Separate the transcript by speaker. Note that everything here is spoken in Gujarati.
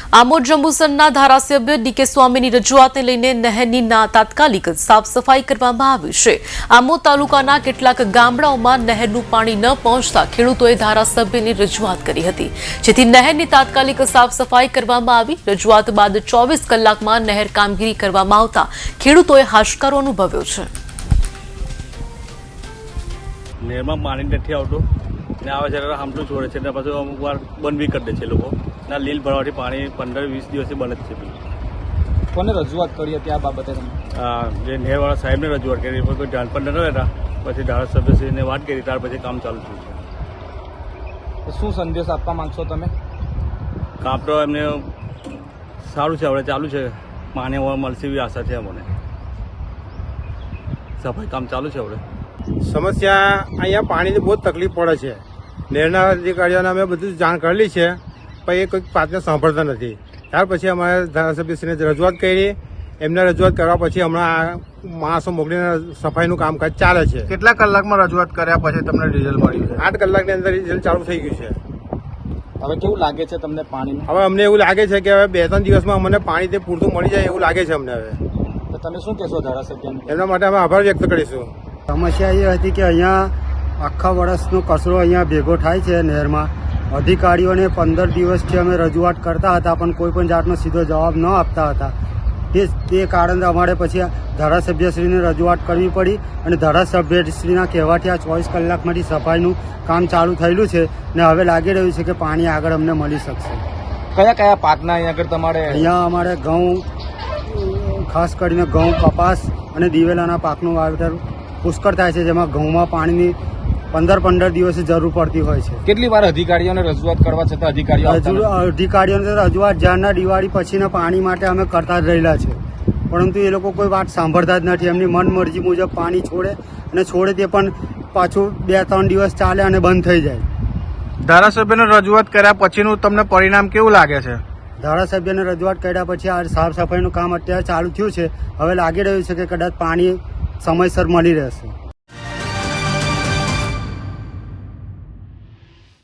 Speaker 1: આમોદ જંબુસરના ધારાસભ્ય ડીકે સ્વામીની રજૂઆતને લઈને નહેરની તાત્કાલિક સાફ સફાઈ કરવામાં આવી છે। આમોદ તાલુકાના કેટલાક ગામડાઓમાં નહેરનું પાણી ન પહોંચતા ખેડૂતોએ ધારાસભ્યની રજૂઆત કરી હતી, જેથી નહેરની તાત્કાલિક સાફ સફાઈ કરવામાં આવી। રજૂઆત બાદ 24 કલાકમાં નહેર કામગીરી કરવામાં આવતા ખેડૂતોએ હાશકારો અનુભવ્યો છે।
Speaker 2: નહેરમાં પાણી નથી આવતું ને આવે છે હામટું છોડે છે ને પાછું અમુક વાર બંધ બી કરી દે છે લોકો ના લીલ ભરવાથી પાણી 15-20 દિવસથી બંધ જ છે।
Speaker 3: કોને રજૂઆત કરી હતી આ બાબતે?
Speaker 2: જે નહેરવાળા સાહેબને રજૂઆત કરી પણ કોઈ ધ્યાન પણ ન રહેતા, પછી ધારાસભ્યશ્રીને વાત કરી ત્યાર પછી કામ ચાલુ થયું છે।
Speaker 3: શું સંદેશ આપવા માંગશો તમે?
Speaker 2: કામ તો એમને સારું છે, હવે ચાલુ છે, પાણી હવે મળશે એવી આશા છે અમને। સફાઈ કામ ચાલુ છે। હવે
Speaker 4: સમસ્યા અહીંયા પાણીની બહુ તકલીફ પડે છે। નહેરના અધિકારીઓને અમે બધું જાણ કરેલી છે, પણ એ કોઈક વાતને સાંભળતા નથી। ત્યાર પછી અમારે ધારાસભ્યશ્રીને રજૂઆત કરી, એમને રજૂઆત કરવા પછી હમણાં માણસો મોકલીને સફાઈનું કામકાજ ચાલે છે।
Speaker 5: કેટલા કલાકમાં રજૂઆત કર્યા પછી તમને રિઝલ્ટ મળ્યું છે?
Speaker 4: 8 કલાકની અંદર રિઝલ્ટ ચાલુ થઈ ગયું છે।
Speaker 3: હવે કેવું લાગે છે તમને પાણી?
Speaker 4: હવે અમને એવું લાગે છે કે હવે 2-3 દિવસમાં અમને પાણી તે પૂરતું મળી જાય એવું લાગે છે અમને। હવે
Speaker 3: તો તમે શું કહેશો ધારાસભ્યને?
Speaker 4: એમના માટે અમે આભાર વ્યક્ત કરીશું।
Speaker 6: સમસ્યા એ હતી કે અહીંયા આખા વર્ષનો કચરો અહીંયા ભેગો થાય છે નહેરમાં। અધિકારીઓને 15 દિવસથી અમે રજૂઆત કરતા હતા, પણ કોઈ પણ જાતનો સીધો જવાબ ન આપતા હતા। તે કારણે અમારે પછી ધારાસભ્યશ્રીને રજૂઆત કરવી પડી, અને ધારાસભ્યશ્રીના કહેવાથી આ 24 કલાકમાંથી સફાઈનું કામ ચાલુ થયેલું છે ને હવે લાગી રહ્યું છે કે પાણી આગળ અમને મળી શકશે।
Speaker 3: કયા કયા પાકના અહીંયા આગળ તમારે?
Speaker 6: અહીંયા અમારે ઘઉં, ખાસ કરીને ઘઉં, કપાસ અને દિવેલાના પાકનું વાવેતર પુષ્કળ થાય છે, જેમાં ઘઉંમાં પાણીની 15 દિવસે જરૂર પડતી હોય છે।
Speaker 3: કેટલી વાર અધિકારીઓને રજૂઆત કરવા છતાં
Speaker 6: અધિકારીઓને રજૂઆત જ્યારના દિવાળી પછીના પાણી માટે અમે કરતા જ રહેલા છે, પરંતુ એ લોકો કોઈ વાત સાંભળતા જ નથી। એમની મનમરજી મુજબ પાણી છોડે, અને છોડે તે પણ પાછું 2-3 દિવસ ચાલે અને બંધ થઈ જાય।
Speaker 5: ધારાસભ્યને રજૂઆત કર્યા પછીનું તમને પરિણામ કેવું લાગે છે?
Speaker 6: ધારાસભ્યને રજૂઆત કર્યા પછી આ સાફ સફાઈનું કામ અત્યારે ચાલુ થયું છે। હવે લાગી રહ્યું છે કે કદાચ પાણી સમયસર મળી રહેશે।